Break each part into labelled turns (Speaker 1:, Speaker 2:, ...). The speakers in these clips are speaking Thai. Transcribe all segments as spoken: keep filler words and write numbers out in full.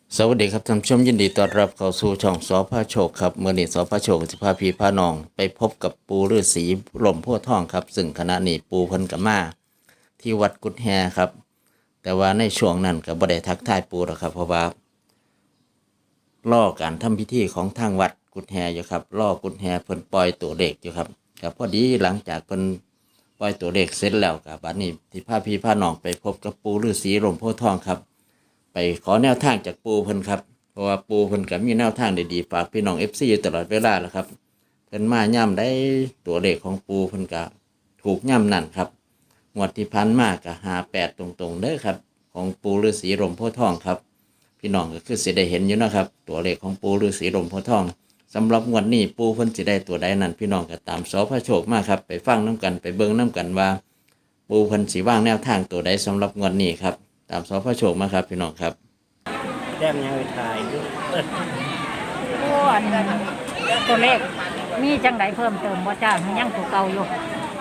Speaker 1: สวัสดีครับท่านผู้ชมยินดีต้อนรับเข้าสู่ช่องสพโชคครับเมื่อนี้สพโชคสิพาพี่พาน้องไปพบกับปูฤาษีหล่มโพธิ์ทองครับซึ่งขณะนี้ปูเพิ่นกับมาที่วัดกุดแฮครับแต่ว่าในช่วงนั้นก็บ่ได้ทักทายปูหรอกครับเพราะว่าล่อการทำพิธีของทางวัดกุดแฮอยู่ครับล่อกุดแฮเพิ่นปล่อยตัวเลขอยู่ครับก็พอดีหลังจากเพิ่นปล่อยตัวเลขเสร็จแล้วก็บัดนี้ที่พาพี่พาน้องไปพบกับปูฤาษีหล่มโพธิ์ทองครับไปขอแนวทางจากปูเพิ่นครับเพราะว่าปูเพิ่นก็มีแนวทางดีๆฝากพี่น้อง เอฟ ซี อยู่ตลอดเวลาแหละครับเพิ่นมาย่ำได้ตัวเลขของปูเพิ่นก็ถูกย่ำนั่นครับงวดที่พันมากก็ห้าแปดตรงๆเด้อครับของปูฤาษีหล่มโพธิ์ทองครับพี่น้องก็คือสิได้เห็นอยู่นะครับตัวเลขของปูฤาษีหล่มโพธิ์ทองสำหรับงวดนี้ปูเพิ่นสิได้ตัวใดนั้นพี่น้องก็ตามสพโชคมาครับไปฟังน้กันไปเบิ่งน้กันว่าปูเพิ่นสิวางแนวทางตัวใดสำหรับงวดนี้ครับตามสพโชคมาครับพี่น้องครับ
Speaker 2: แต้มยังไปถ่ายอยู่
Speaker 3: อ้วนตัวเลขมีจังไดเพิ่มเติมบ่จ้ายังตัวเก่าอยู่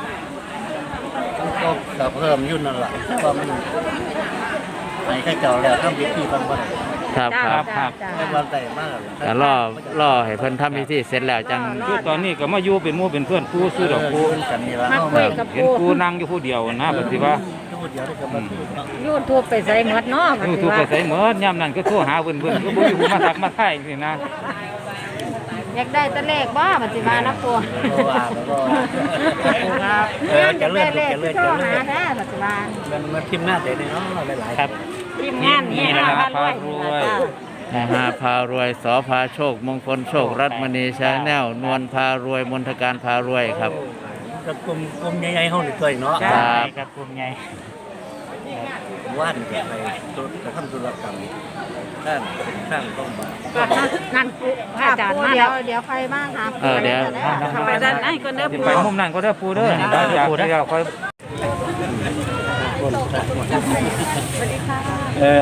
Speaker 2: ก็ก็เพิ่มยุ่นนั่นแหละเพราะมันไหนแค่เก่าแล้วทำพิธีบางวัน
Speaker 1: ครับครับครับ
Speaker 2: ในวันแต่มาก
Speaker 1: แต่ล่อล่อให้เพิ่นทำพิธีเสร็จแล้วจัง
Speaker 4: คือตอนนี้ก็มาอยู่เป็นหมู่เป็นเพื่อนปูซื้อดอกปู
Speaker 2: กันนี่ละ
Speaker 3: มาคุยกับ
Speaker 4: เห็น
Speaker 3: ปู
Speaker 4: ปูนั่งอยู่ผู้เดียวนะปฏิว่า
Speaker 2: ทุกเดียวได้กับมัน
Speaker 3: ยูทูบไปใส่หมดเนาะ
Speaker 4: ยูทูบไปใส่เหมือนย่ำนั่นก็โทรหาเพิ่นเพิ่นก็บ่อยู่มาทักมาทายนี่นะ
Speaker 3: อยากได้ตัวเลขบ่ปฏิมานะปู
Speaker 2: ก็ว่าก็ครับเออจะเลื่อนจะเลื่อน
Speaker 3: โทร
Speaker 2: จะเลื่อ
Speaker 3: หาน แท้ปฏิมา
Speaker 2: มันมันทิมหน้าเด็กเนาะหลายๆครับ
Speaker 3: ทีมงานนี่นะคะพารวย
Speaker 1: หาพารวยสอพาโชคมงคลโชครัตมณีชาแนลนวลพารวยมนทการพารวยครับ
Speaker 2: กับกลุ่มกลุ่มใหญ่ๆห้องหนึ่งตัวเนาะ
Speaker 1: ครับ
Speaker 4: กับกลุ่มใหญ่
Speaker 2: ว่านไปตัวจะทำธุรกรรมด้านสร้างต้องมา
Speaker 3: นั่นปูอาจารย์มาแล้วเดี๋ยวใครบ้างคะ
Speaker 1: เออเดี๋ยว
Speaker 3: ทำไมด้านไหนก็เด้อ
Speaker 4: สิ
Speaker 3: ปู
Speaker 4: ไปมุมนั้นก็ได้ปูเด้อได้อยากได้ค่อย
Speaker 2: คนเออ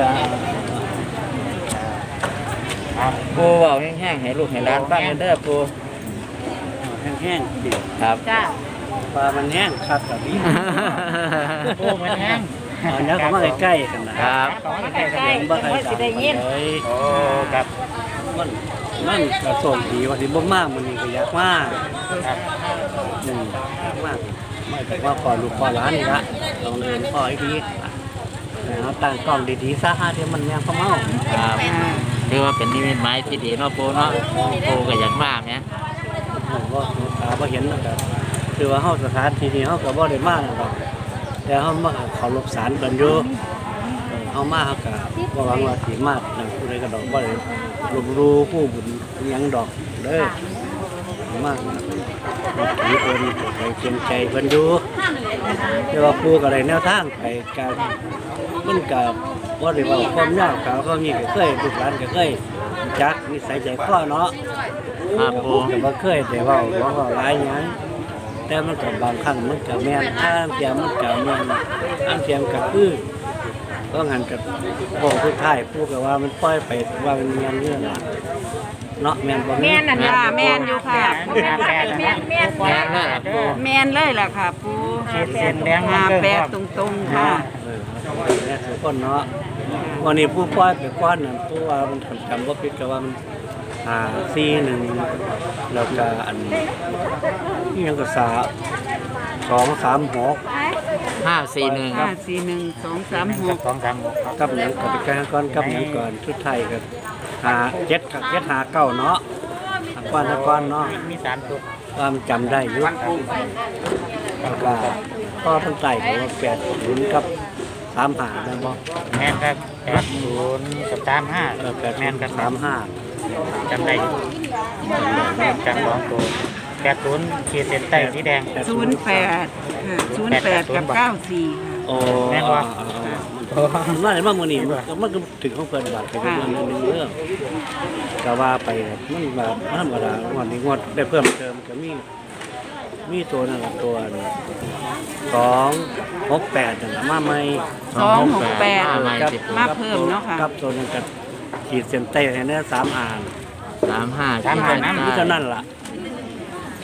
Speaker 1: ปูเว้าแห้งๆให้ลูกให้หลานฟังเด้อปู
Speaker 2: แห้งๆดิ
Speaker 1: ครับ
Speaker 3: จ้า
Speaker 2: ปลามันแห้งครับแบบนี้
Speaker 3: ปูมันแห้ง
Speaker 2: เอาเนื้อเข้ามาใกล้ๆกันนะครับ
Speaker 3: ใกล้ๆบ่สิได้ยิน
Speaker 2: เลย
Speaker 4: โอ้ครับ
Speaker 2: มันมันกระส่งดีว่าสิบ่มากมันนี่ก็อยากมาก
Speaker 4: ครับ
Speaker 2: หนึ่งอยากมากไม่แต่ว่าขอลูกขอหลานนี่ละลองเรียนขอให้ดีเอาตั้งกล้องดีๆซะฮะเดี๋ยวมันยังเข้าเมา
Speaker 1: ครับถือว่าเป็นนิมิตหมายที่ดีเนาะปูเนาะปูก็อยากมาแหม
Speaker 2: ผมก็ตาบ่เห็นแล้วก็คือว่าเฮาสถานที่นี้เฮาก็บ่ได้มาหรอกแต่เฮามาเคารพศาลกันอยู่เฮามาเฮาก็บ่หวังว่าสิมานั่นผู้ใดก็ดอกบ่ได้ลบรู้ผู้บุญหยังดอกเด้อมากนับถือเพิ่นไปเชียงใจเพิ่นอยู่แต่ว่าผู้ก็ได้แนวทางไปการมันก็บ่ได้ว่าความยากเขาเขานี่ก็เคยลูกหลานก็เคยจักนิสัยใจคอเนาะ
Speaker 1: ครับปู
Speaker 2: ก็บ่เคยได้เว้าบ่เว้าหลายหยังแต่มันก็บางครั้งมันก็แม่นอ้างเทียมมันก็แม่นอ้างเทียมก็คือก็หันกับบอกทุกท้ายผู้ก็ว่ามันปล่อยไปว่ามันแม่นเรื่องล่ะเนาะแม่นบ่
Speaker 5: แม่นนั่นล่ะแม่นอยู่ค่ะ
Speaker 3: แม่นแม่นแม่น
Speaker 1: แม่นเลยล่ะปู
Speaker 5: แม่นเลยล่ะค่ะปู
Speaker 4: เส้นแดง
Speaker 5: หาแปดตรงๆค่ะ
Speaker 2: เออแม่นทุกคนเนาะวันนี้ผู้ปล่อยไปก่อนนั่นผู้ว่ามันทำจำบ่ผิดก็ว่ามันหาสี่หนึ่งแล้วก็อันอีหยังก็สาสองสามหก
Speaker 1: ห้าสี่หนึ่ง
Speaker 5: ห้าสี่หนึ่งสองสามหก
Speaker 4: สองสามหกครับ
Speaker 2: กับหยังกับไปแก้ก่อนกับหยังก่อนชุดไทยก็หาเจ็ดกับเจ็ดหาเก้าเนาะหาก้อนหาก้อนเนาะ
Speaker 4: มีสามตัว
Speaker 2: ความจำได้อยู่แล้วก็ก็เพิ่นไต่ก็ว่าแปดศูนย์กับสามหาแม่นบ่
Speaker 4: แม่นครับแปดศูนย์กับสามห้า
Speaker 2: เออแปด
Speaker 4: แม่นกับ
Speaker 2: สามห้า
Speaker 4: จำได้อยู่จำสองตัวแปดศูนย์ขีดเส้นใต้สีแดง
Speaker 5: ศูนย์แปดค่ะศูนย์แปดกับเก้าสี่ค่ะ
Speaker 2: โอ้
Speaker 4: แม่นบ่
Speaker 2: มันว่าได้มามื้อนี้มันก็ถึงของเพิ่นบาทก็เป็นเรื่องนึงเรื่องก็ว่าไปมันแบบธรรมดางวดนี้งวดได้เพิ่มเติมก็มีมีตัวนั่นล่ะตัวสองหกแปดนั่นล่ะมาใหม่
Speaker 5: สองหกแปด
Speaker 1: มาใหม่
Speaker 2: กับ
Speaker 1: สิ
Speaker 5: มาเพิ่มเนาะค่ะ
Speaker 2: กับตัวนั้นกับขีดเส้นใต้ให้แน่สามอ่าน
Speaker 1: สามห้า
Speaker 4: สามห้า
Speaker 2: นี่เท่านั้นล่ะ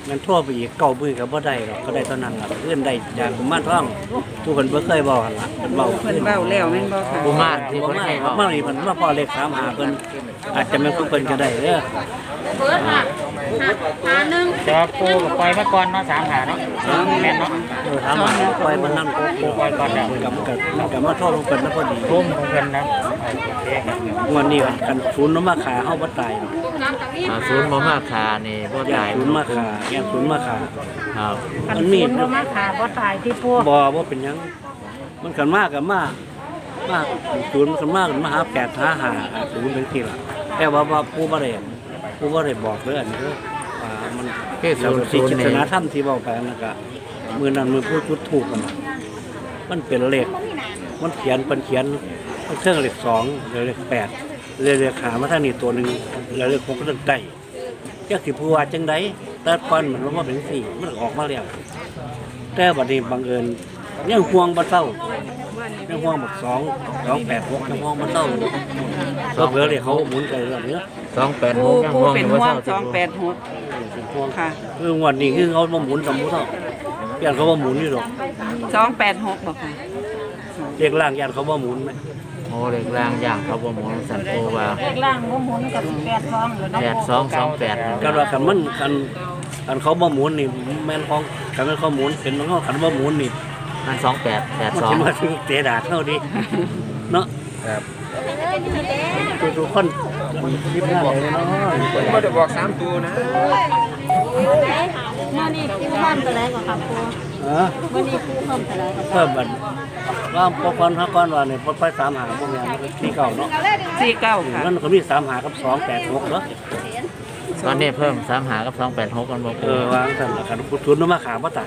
Speaker 2: มันโทษไปอีกเก่ามือก็บ่ได้หรอกก็ได้เท่านั้นล่ะเพื่อนได้จากกุมารทองผู้คนบ่เคยบอกหั่นล่ะเพิ่นเว้า
Speaker 5: เพิ่นเว้าแล้วแม่นบ่ค่ะ
Speaker 1: กุมารที่
Speaker 2: บ่
Speaker 1: เพิ่น
Speaker 2: มา
Speaker 1: ให้เว้า
Speaker 2: มานี่เพิ่นมาพอเลขสามหาเพิ่นอาจจะแม่นผู้เพิ่นก็ได้เด้อ
Speaker 4: จะปูกับปล่อยมาก่อนเนาะสามหาเนาะแม่นเนาะ
Speaker 2: เออถามว่าปล่อยมันนั่นก็
Speaker 4: ปูปล่อยก่อนแล้ว
Speaker 2: กับกับกับมาโทษผู้เพิ่นนะพอดี
Speaker 4: ทุ่มของเพิ่นนะโอเคครับ
Speaker 2: วันนี้กันศูนย์มาขาเฮาบ่ตายหรอก
Speaker 1: อ่าศูนย์บ่มาขานี่บ่
Speaker 2: แย
Speaker 1: ตาก ย
Speaker 2: ศูนย์มาขาแยกศูนย์มาขา
Speaker 1: ครับ
Speaker 3: คัน
Speaker 2: มัน
Speaker 3: ศู
Speaker 2: มี
Speaker 3: นย์บ่มาขาบ่ตายที่พวก
Speaker 2: บ่บ่เป็นหยังมันกันมากกับมากมากศูนย์มันกันมากกันมาหาแปดหาหาศูนย์เป็นที่ล่ะแต่ว่าว่าผู้บ่ได้ผู้บ่ได้บอกเด้ออันนี้เด้อว่ามัน
Speaker 1: คือศูนย์
Speaker 2: ที่
Speaker 1: ศูน
Speaker 2: จิ
Speaker 1: ย์
Speaker 2: ต
Speaker 1: นี่
Speaker 2: นาธรรมที่เว้าไปนั่นก็มื้อนั้นมื้อพูดพูดถูกกันน่ะมันเป็นเลขมันเขียนเพิ่นเขียนเครื่องเลขสองเลขแปดเลขขามาทางนี้ตัวหนึงแล้วเลขหกก็เลขได้จักสิผู้ว่าจังไดแต่ก่อนมันลงมาเป็นสี่มันออกมาแล้วแต่บัดนี้บังเอิญยังห่วงบ่เศร้ายังห่วงบักสองสองแปดหกยังห่วงบ่เศร้าก็เผื่อเลยเขาหมุนไปเรื่องนี้
Speaker 1: สองแปดห
Speaker 5: ปู
Speaker 1: กยัง
Speaker 5: ปู
Speaker 1: ห่วง
Speaker 5: เป็น
Speaker 1: อยู่
Speaker 5: ห่ว
Speaker 1: ว่าง เศ
Speaker 5: ส
Speaker 1: ร้า
Speaker 5: องแปดหก
Speaker 2: เป็นห่วง
Speaker 5: ค่ะ
Speaker 2: คืองวดนี้คือเขาบ่หมุนสมมุติเท่าย่านเขาบ่หมุนนี่หรอก
Speaker 5: สองแปดหกบ่ค่ะ
Speaker 2: เรียกล่างย่านเขาบ่หมุนไหม
Speaker 1: โอ้เล็กล่างอย่างเขาบ่หมุนสันโอว่า
Speaker 3: เลขล่างบ่หมุนกับแปดสองหรือเนาะ
Speaker 1: แปดสองสองแปด
Speaker 2: กันว่าคันมันคันคันเขาบ่หมุนนี่แม่นของคันแม่นเขาหมุนเป็นของเขาคันบ่หมุนนี่
Speaker 1: มันสองแปดแปด
Speaker 2: มัน
Speaker 1: สอ
Speaker 2: สิ
Speaker 1: ง
Speaker 2: มาถึงเตะดาดเฮาดิเนาะ
Speaker 1: ครับ
Speaker 2: ทุกๆคนคิดหน้าเลยเนาะ
Speaker 6: ไม่ได้บอกสามตัวนะ
Speaker 3: มื้อนี้ครูเพิ่มเท่าไหร่ก็ครับครู
Speaker 2: เออ
Speaker 3: มื้อนี้ครูเพิ่มเท่าไหร่ก็
Speaker 2: เพิ่มบัดว่าพอก่อนฮะก่อนว่านี่พอไปสามหาพวกนี้มันก็ที่เก่าเนาะ
Speaker 5: สี่เก้าค่ะ
Speaker 2: มันก็มีสามหากับสองแปดหกเนาะ
Speaker 1: ตอนนี้เพิ่มสามหากับสองแปดหกกันบ่
Speaker 2: เอ
Speaker 1: ปู
Speaker 2: อวางสั่นละกันพุทุนมาขาบ่ตาย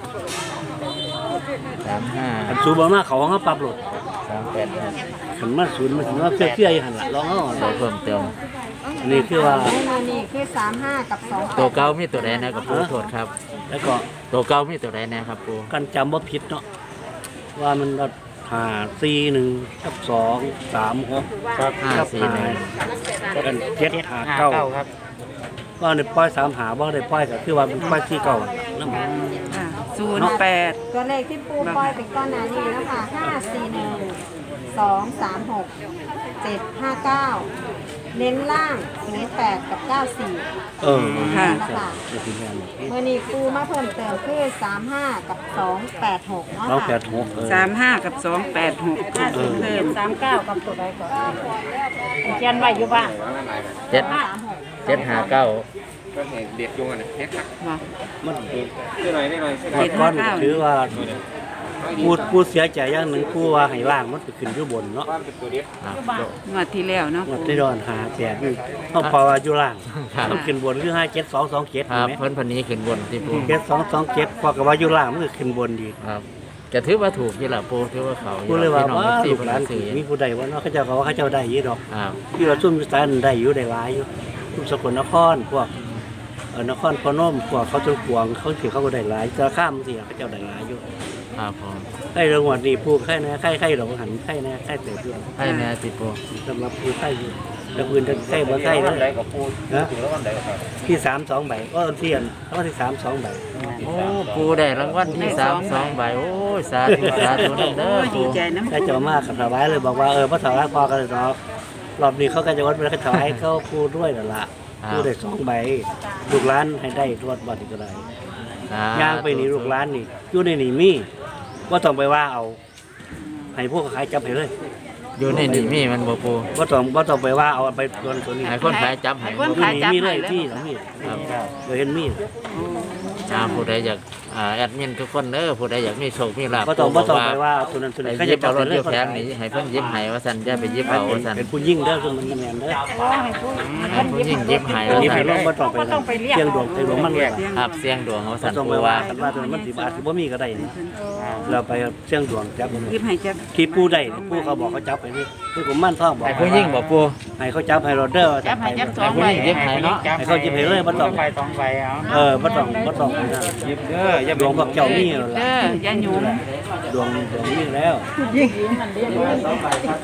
Speaker 1: สามห้า
Speaker 2: คันสูบ่มาเขาของเขาปรับลด
Speaker 1: สามแปดหก
Speaker 2: คันมาศูนย์มันสิมาเปี้ยๆอยู่หั่นล่ะลองเอา
Speaker 1: เราเพิ่มเติม
Speaker 2: อันนี้คือว่า
Speaker 3: มื้อนี้คือสามห้ากับสอง
Speaker 1: ตัวเก่ามีตัวใดนะครับปูโทษครับ
Speaker 2: แล้วก็
Speaker 1: ตัวเก่ามีตัวใดนะครับปู
Speaker 2: กันจำบ่ผิดเนาะว่ามันก็ห้าสี่หนึ่งกับสองสามหก
Speaker 4: ครับ
Speaker 1: ห้าสี่หนึ่ง
Speaker 2: กันเจ็ดห้า
Speaker 4: ห้า
Speaker 2: เก้า
Speaker 4: เก้าครับ
Speaker 2: ว่าในป้อยสามหาบ่ได้ป้อยก็คือว่าเป็นป้อยที่เก่านั่น
Speaker 5: ค่ะศูนย์แปด
Speaker 7: ตัวเลขที่ปูปล่อยเป็นก้อนหนานี้แล้วค่ะห้าสี่หนึ่งสองสามหกเจ็ดห้าเก้าเน้นล่างศูนย์แปดกับเก้าสี่
Speaker 2: เออ
Speaker 5: ค่ะ
Speaker 7: นะคะ
Speaker 2: จะถึงแม่น
Speaker 7: เมื่อนี้ปูมาเพิ่มเติมคือสามห้ากับสองแปดหกเนาะ
Speaker 2: สองแป
Speaker 7: ค่ะ
Speaker 2: ดหกเออ
Speaker 5: สามห้ากับสองแปดหกเพิ่ม
Speaker 3: สามเก้ากับตัวใดก่อนเขียนไว้อยู่บ้าน
Speaker 1: เจ็ด
Speaker 7: สามหก
Speaker 1: เจ็ดห้าเก้า
Speaker 6: ก็เห็นเด็กยุงอ่ะนะเฮ็ดครับ
Speaker 5: บ่
Speaker 2: มัน
Speaker 6: ได้หน่อยได้หน่อย
Speaker 2: หมดก้อนถือว่าพูดพูดเสียใจอย่างหนึ่งพูดว่าให้ล่างมันไปขึ้นอยู่บนเนาะ
Speaker 6: ว่าเป็นตัวเด็ก
Speaker 1: ครับ
Speaker 5: งวดที่แล้วเนาะ
Speaker 2: มันที่ดอนหาแจกนี่เขาพอว่าอยู่ล่าง
Speaker 1: ครับ
Speaker 2: มันขึ้นบนคือห้าเจ็ดสองสองเจ็ด
Speaker 1: ครับ
Speaker 2: ไหม
Speaker 1: เพิ่นพันนี้ขึ้นบนที่ปู
Speaker 2: เจ็ดสองสองเจ็ดพอกับว่าอยู่ล่างมันก็ขึ้นบนดี
Speaker 1: ครับจะถือว่าถูกที่ละปูถือว่าเขา
Speaker 2: พูดเลยว่า
Speaker 1: พี่น้อง
Speaker 2: ว่า
Speaker 1: สี่
Speaker 2: ลูก
Speaker 1: คน
Speaker 2: หลาน
Speaker 1: ซื้อ
Speaker 2: มีผู้ใดว่าเนาะเขาเจ้าก็ว่าเขาเจ้าได้อยี่ดอก
Speaker 1: ครับ
Speaker 2: ที่เราซุ่มอยู่สายนั้นได้อยู่ได้หลายอยู่ซุ่มสกลนครพวกเออนครพนมพวกเขาจนขวางเขาถือเขาก็ได้หลายจะข้ามสิเขาเจ้าได้หลายอยู่
Speaker 1: ครับผม
Speaker 2: ไอ้เรื่องวันนี้พูดไข่นะไข่ไข่เราหันไข่นะไข่เติบอยู่
Speaker 1: ให้แน่สิปู
Speaker 2: สำหรับผู้ไข่อยู่แต่ปืนจะไข่บ่ไข่
Speaker 6: วันไหน
Speaker 2: นะ
Speaker 6: กับปู
Speaker 2: นะ
Speaker 6: ถึงแล้ววันไหนกับ
Speaker 2: ที่สามสองใบก็เทียนแล้วก็ที่สามสองใบ
Speaker 1: โอ้ปูได้รางวัลที่สามสองใบโอ้ยสาธุสาธุนั่นเด้
Speaker 5: โอ้
Speaker 1: อย
Speaker 5: ดี
Speaker 1: ปู
Speaker 5: ใจน้ำ
Speaker 2: ได้จะมากกับถวายเลยบอกว่าเออพระถวายพอกันเลยเนาะรอบนี้เขาก็จะวัดไปแล้วก็ถวายเขาพูดด้วยนั่นละพูดได้สองใบลูกร้านให้ได้รวดบอดอีกก็ได้
Speaker 1: สธุ
Speaker 2: ย่างไปนี่ลูกร้านนี่อยู่ในนี่มีว่าต้องไปว่าเอาให้พวกขายจับให้เลย
Speaker 1: อยู่ในนี่มีมันบ่ปู
Speaker 2: ว่าต้องว่าต้องไปว่าเอาไปโดนตัวนี้
Speaker 1: ให้คนขายจับให้
Speaker 5: คน
Speaker 1: บ่
Speaker 5: ขายจับ
Speaker 2: มีเล
Speaker 5: ให้
Speaker 2: ย
Speaker 5: แล้ว
Speaker 2: ที่หลังมี
Speaker 1: ครับ
Speaker 2: เคยเห็นมี
Speaker 1: อ่าผู้ใดอยากอ่าแอดมินทุกคนเด้อผู้ใดอยากมีโชคมีลาภ
Speaker 2: ว่าต้องว่าต้อง
Speaker 1: ปู
Speaker 2: ไป
Speaker 1: บก
Speaker 2: ว่าตัวนั้นตัว
Speaker 1: ไป
Speaker 2: นี้เขา
Speaker 1: ยิ
Speaker 2: จะ
Speaker 1: บ
Speaker 2: จั
Speaker 1: เอา
Speaker 2: บ
Speaker 1: ร
Speaker 2: ไป
Speaker 1: ถ
Speaker 2: เลย
Speaker 1: เดียวแผงนี้ให้เพิ่นยิบให้ว่าซั่นอย่าไปยิบเอาว่าซั่น
Speaker 2: เป็นผู้ยิ่งเด้อคือมันแมนเด้อ
Speaker 3: ให้ผู้
Speaker 1: ให้ผู้หญิงยิบให้
Speaker 2: อัน
Speaker 1: ว่า
Speaker 2: นี้
Speaker 1: ซั่
Speaker 2: ให้
Speaker 1: น
Speaker 2: ลงบ่ต้องไป
Speaker 3: บ่ต้องไปเรียก
Speaker 2: เชียงดวงเชียงดวงมันเลย
Speaker 1: ครับเสียงดวงว่า
Speaker 2: บ่
Speaker 1: ซั่น
Speaker 2: ต้องไป
Speaker 1: ปู
Speaker 2: ว่า
Speaker 1: ว่า
Speaker 2: กันว่าตัวมันสิบาทสิบ่มีก็ได้นี่เราไปเชียงดวงจับมัน
Speaker 5: ยิบให้จับ
Speaker 2: ที่ปูได้นี่ปูเขาบอกเขาจับไปนี่คือผมมั่นท่องบอก
Speaker 1: ให้ผู้หญิงบ่ปู
Speaker 2: ให้เขาจับให้เราเด้อ
Speaker 5: จับให้จับสอ
Speaker 1: ให้
Speaker 5: ง
Speaker 1: ผู้
Speaker 5: ใบ
Speaker 1: หญิงยิบให้เนาะ
Speaker 2: ให้เขาจิบให้เลยบ่ต้อง
Speaker 4: ใบสองใบเอา
Speaker 2: เออบ่ต้องบ่ต้องไปนั่น
Speaker 6: ยิบเด้ออย่า
Speaker 2: ดวงพวกเจ้ามีแล้ว
Speaker 5: เด้
Speaker 2: ล่ะ
Speaker 5: ออย่าหยุม
Speaker 2: ดวงดวงมีแล้ว
Speaker 3: ยิ่งมันเรียกว่า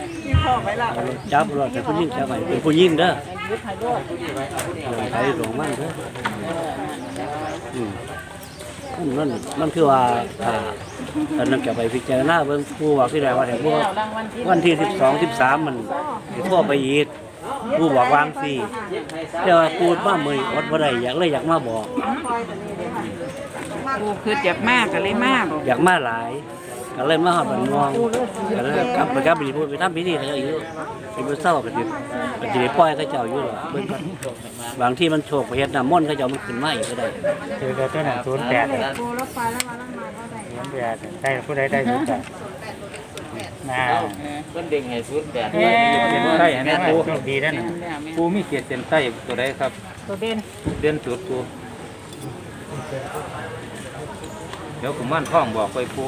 Speaker 2: จับรถแต่ผู้หญิงจับไปเป็นผู้หญิงเด้อใช้หลวงมันเด้ออืมนั่นนั่นคือว่าอ่าตอนนั้นแกไปพิจารณาเบิ่งผู้ว่าที่ใดว่าแต่พวกวันที่สิบสองสิบสามมันทั่วไปอีกผู้บอกวางสิแต่ว่าพูดมาเมื่อยอดบ่ได้อยากเลยอยากมาบอก
Speaker 5: ปูคืออยากมากก็เลยมากบอก
Speaker 2: อยากมาหลายก็เลยมาหอดบันงวงก็เลยกลับไปกลับไปพูดไปทำพิธีเขาเจ้าอยู่ไปบ่เศร้าก็สิก็สิได้ปล่อยเขาเจ้าอยู่หรอกเบิ่งก่อนบางที่มันโชคไปเฮ็ดน้ำมนต์เขาเจ้ามันขึ้นมาอีกก็ได้
Speaker 4: คือตัวตัวนั้นศูนย์แปด
Speaker 7: ปูรถไฟแล้วมาแล้วมาก็ได้
Speaker 4: ศูนย์แปดได้ผู้ใดได้ศูนย์แปดน่า
Speaker 1: เพิ่นเด้งให้ศูนย์แปด
Speaker 6: เส้นใต้นะปู
Speaker 4: โชคดีนั่น
Speaker 6: ปูมีเกียรติเส้นใต้ตัวใดครับ
Speaker 3: ตัวเด่น
Speaker 6: เดือนสุดปูเดี๋ยวผมม่านท่องบอกไปปู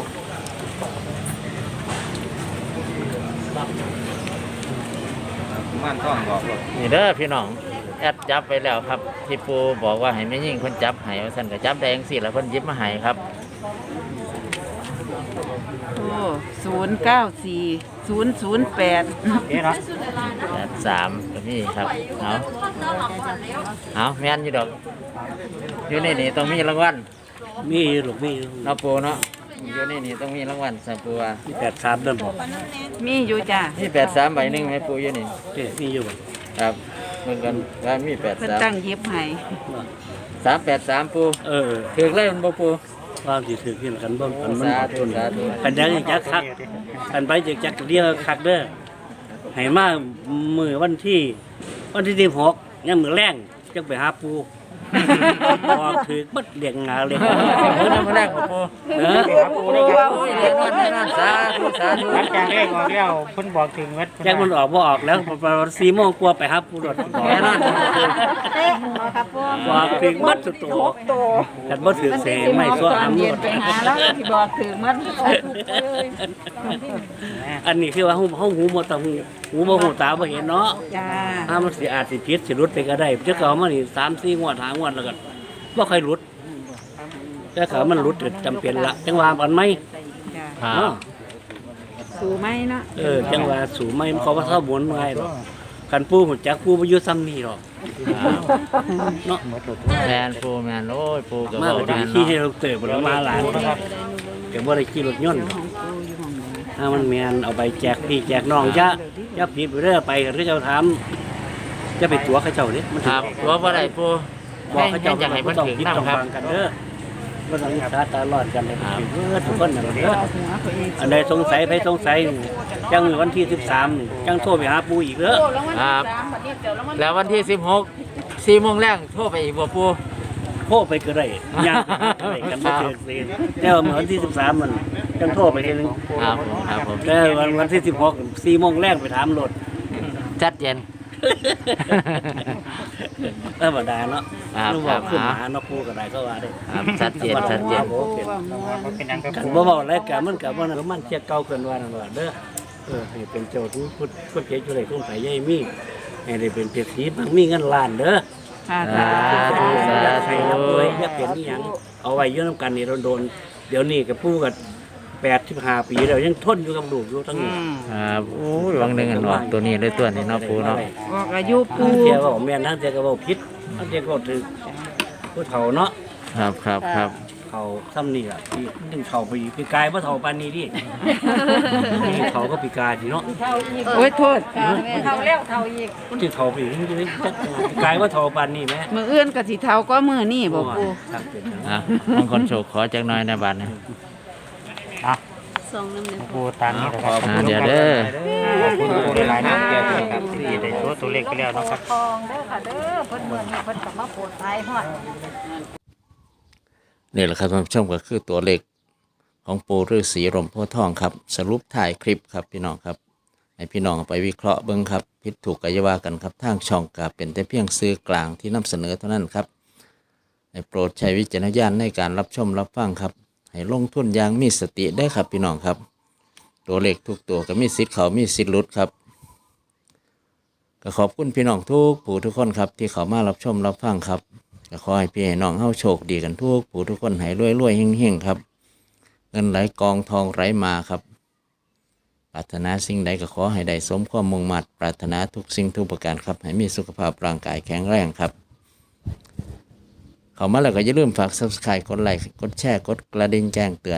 Speaker 6: ผมม่านท่องบอกว่า
Speaker 1: นี่เด้อพี่น้องแอดจับไปแล้วครับที่ปูบอกว่าให้แม่ยิ่งเพิ่นจับให้ว่าซั่นก็จับได้จังซี่แล้วเพิ่นหยิบมาให้ครับ
Speaker 5: โอ้ศูนย์เก้าสี่ศูนย์ศูนย์แปด
Speaker 4: เอ๊ะเนาะ
Speaker 1: แปดสามก็มีครับเอาเอาแม่นอยู่ดอกอยู่ในนี่ต้องมีรางวัล
Speaker 2: มีอยู่ลูกมีอยู่
Speaker 1: เนาะปูเนาะอยู่ในนี่ต้องมีรางวัลสัปูว่า
Speaker 2: มีแปดสามเดิมบอก
Speaker 5: มีอยู่จ้ะ
Speaker 1: มีแปดสามใบหนึ่งไหมปูอยู่นี่
Speaker 2: เอ๊ะมีอยู่บ่
Speaker 1: ครับเหมือนกันว่ามีแปด
Speaker 5: เพิ่น
Speaker 1: สาม
Speaker 5: ตั้งเย็บให้
Speaker 1: สามแปดสามปู
Speaker 2: เออ
Speaker 1: ถือเลยมันบ่ปู
Speaker 2: ความสิถือขึ้นกันบ่มันมัน
Speaker 1: สาธุสาธุ
Speaker 2: กันยังจักคักกันไปจักจักเดียวคักเด้อให้มามื้อวันที่วันที่สิบหกยังมื้อแรงจังไปหาปูบอกถือบัดเลี้ยงงาเลย
Speaker 1: เพิ่นมาแรกบ่ปู
Speaker 2: เออ
Speaker 1: ปูว่าโอ้ยแน่นอนแน่นอนสาธุสาธุ
Speaker 4: หลังจากเลขออกแล้วเพิ่นบอกถึงวัด
Speaker 2: แจ็คมันออกบ่ออกแล้วประมาณสี่โมงกว่าไปหาปูรถบอก
Speaker 1: แน่นอน
Speaker 7: เต้มาครับปู
Speaker 2: บอกถึงบัดสุดโตกันบ่ถือเสไม่ซัว
Speaker 3: ตอ
Speaker 2: หาน ม
Speaker 3: เย็นไปหาแล้วที่บอกถือมัน
Speaker 2: อันนี้คือว่าเฮาเฮาหูบ่ต้องหูบ่หูตาบ่เห็นเนาะ
Speaker 5: จ้า
Speaker 2: ถ้ามันสิอาจสิผิดสิหลุดไปก็ได้จักเอามานี่สามสี่งวดห้างวดแล้วก็บ่ค่อยหลุดแต่เขามันหลุดก็จำเป็นละจังว่ามันไหม
Speaker 5: จ้า
Speaker 1: ครับ
Speaker 2: เนาะ
Speaker 5: สูไหมเนาะ
Speaker 2: เออจังว่าสู่ไหมมันเขาว่าเท่าบนไว้หรอกคันปูหุ่นจักปูบ่อยู่ซ้ำนี่หรอกเนาะ
Speaker 1: แมนปูแมนโอ้ยปูก็
Speaker 2: มา
Speaker 1: บอก
Speaker 2: ก็
Speaker 1: แม
Speaker 2: จะ
Speaker 1: น
Speaker 2: ขี่
Speaker 1: เนาะ
Speaker 2: ให้เราเติบบ่มาหลานครับก็บ่ได้ขี่รถยนต์หรอก
Speaker 5: ของปูอยู่หม่องนี้
Speaker 2: ถ้ามันแม่นเอาไปแจกพี่แจกน้องจ้ะอย่าผิดไปเด้อไปก็เจ้าถามจะไปตัวเขาเจ้าเด้มัน
Speaker 1: ครับตัวบ่ได้ปู
Speaker 2: บอกเขาเจ้า
Speaker 1: อยากให้เพิ่น
Speaker 2: ต้อง
Speaker 1: ถึง
Speaker 2: คิด
Speaker 1: นํ
Speaker 2: ต้อง
Speaker 1: ครับ
Speaker 2: ฟังกันเด้อบ่ต้องตาตาร้อนกันเลยเด้อทุกคนน่ะเด้อ
Speaker 5: หัวเขาเอง
Speaker 2: อันใดสงสัยไผสงสัยจังมื้อวันที่สิบสามจังโทรไปหาปู่อีกเด้อ
Speaker 1: ครับแล้ววันที่สิบหกสี่โมงแรกโทรไปอีกบ่ปู
Speaker 2: โทรไปก็ได้ย่างไปก็ได้กันบ่เกินเสียแต่ว่ามื้อวันที่สิบสามมันจังโทรไปทีนึง
Speaker 1: ครับผมครับผม
Speaker 2: แต่วันวันที่สิบหก สี่โมงแรกไปถามรถ
Speaker 1: จัดเย็น
Speaker 2: ธรรมดาเนาะ
Speaker 1: ครับ
Speaker 2: นึก
Speaker 1: ครั
Speaker 2: ว่า
Speaker 1: บ
Speaker 2: ขึ้นมาหาเนาะปู่ก็ได้ก็ว่าได้
Speaker 1: ครับชัดเจนชัดเจน
Speaker 5: ปูว่ามัว
Speaker 4: เป็นยังกับ
Speaker 2: กันบ่เว้าแล้วกันมันก็บ่นั่นมันเที่ยเก่าเกินว่านั่นว่าเด้อเออให้เป็นเจ้าทุกพุทธพุทธเจ้าอยู่ได้คงไปใหญ่มีให้ได้เป็นเศรษฐีบางมีเงินล้านเด้อ
Speaker 5: ค่ะ
Speaker 1: สาธุสา
Speaker 2: อย่าใส่
Speaker 1: ธุ
Speaker 2: อย่าป่วยอย่าเป็นอีหยังเอาไว้อยู่นํกันนี่โดนๆเดี๋ยวนี้ก็ปู่ก็แปดสิบห้าปีแล้วยังทนอยู่กับลูกอยู่ทั้ง
Speaker 5: อื
Speaker 2: นี้
Speaker 5: ม
Speaker 1: ครับโอ้ยวังหนึงอันออกตัวนี้เลยตัวนี้เนาะปูเนาะ
Speaker 5: ออกอายุปู
Speaker 2: ทั้งเที่ยวก็บอกแม่นทั้งเที่ยวก็บอกผิดทั้งเที่ยวก็ถือผู้เฒ่าเนาะ
Speaker 1: ครับครับครับ
Speaker 2: เขาซ้ำนี่ล่ะที่นึงเขาไปอีกปีกายบ่เฒ่าปานนี้ดินี่เขาก็ปีกายดิเนาะ
Speaker 5: โอ้ยโทษ
Speaker 3: เท่าแล้วเท่าอีก
Speaker 2: มันสิเฒ่าไปอีกจังจักปีกายบ่เฒ่าปานนี้แหม
Speaker 5: มือเอื้อนกับสีเทาก็มือนี่บอกปู
Speaker 2: ครับเป็นจัง
Speaker 1: อ่ะบางคนโชคขอจักหน่อยในบัดนี้
Speaker 4: อ่ะ
Speaker 7: สองน้ำหนึ่ง
Speaker 4: ปูตามนี้นะครับ
Speaker 1: อ่าเดี๋ยวเด้อ
Speaker 4: ขอบคุณปูหลายๆนะเกี่ยวกับที่ได้ตัวตัวเลขไปแล้วนะครับ
Speaker 3: ทองเด้อค่ะเด้อเพิ่นเมืองเพิ่นก็มาโปรดทายฮอด
Speaker 1: นี่แหละครับท่านผู้ชมก็คือตัวเลขของปูฤาษีร่มโพธิ์ทองครับ สรุปถ่ายคลิปครับพี่น้องครับให้พี่น้องเอาไปวิเคราะห์เบิ่งครับผิดถูกก็อย่าว่ากันครับทางช่องก็เป็นแต่เพียงสื่อกลางที่นำเสนอเท่านั้นครับให้โปรดใช้วิจารณญาณในการรับชมรับฟังครับให้ลงทุนอย่างมีสติได้ครับพี่น้องครับ ตัวเลขทุกตัวก็มีสิทธิ์เขามีสิทธิ์หลุดครับก็ขอบคุณพี่น้องทุกผู้ทุกคนครับที่เขามารับชมรับฟังครับก็ขอให้พี่ให้น้องเฮาโชคดีกันทุกผู้ทุกคนให้รวยรวยๆเฮงๆครับเงินไหลกองทองไหลมาครับปรารถนาสิ่งใดก็ขอให้ได้สมความมุ่งมั่นปรารถนาทุกสิ่งทุกประการครับให้มีสุขภาพร่างกายแข็งแรงครับเข้ามาแล้วก็อย่าลืมฝาก ซับสไครบ์ กดไลค์กดแชร์กดกระดิ่งแจ้งเตือน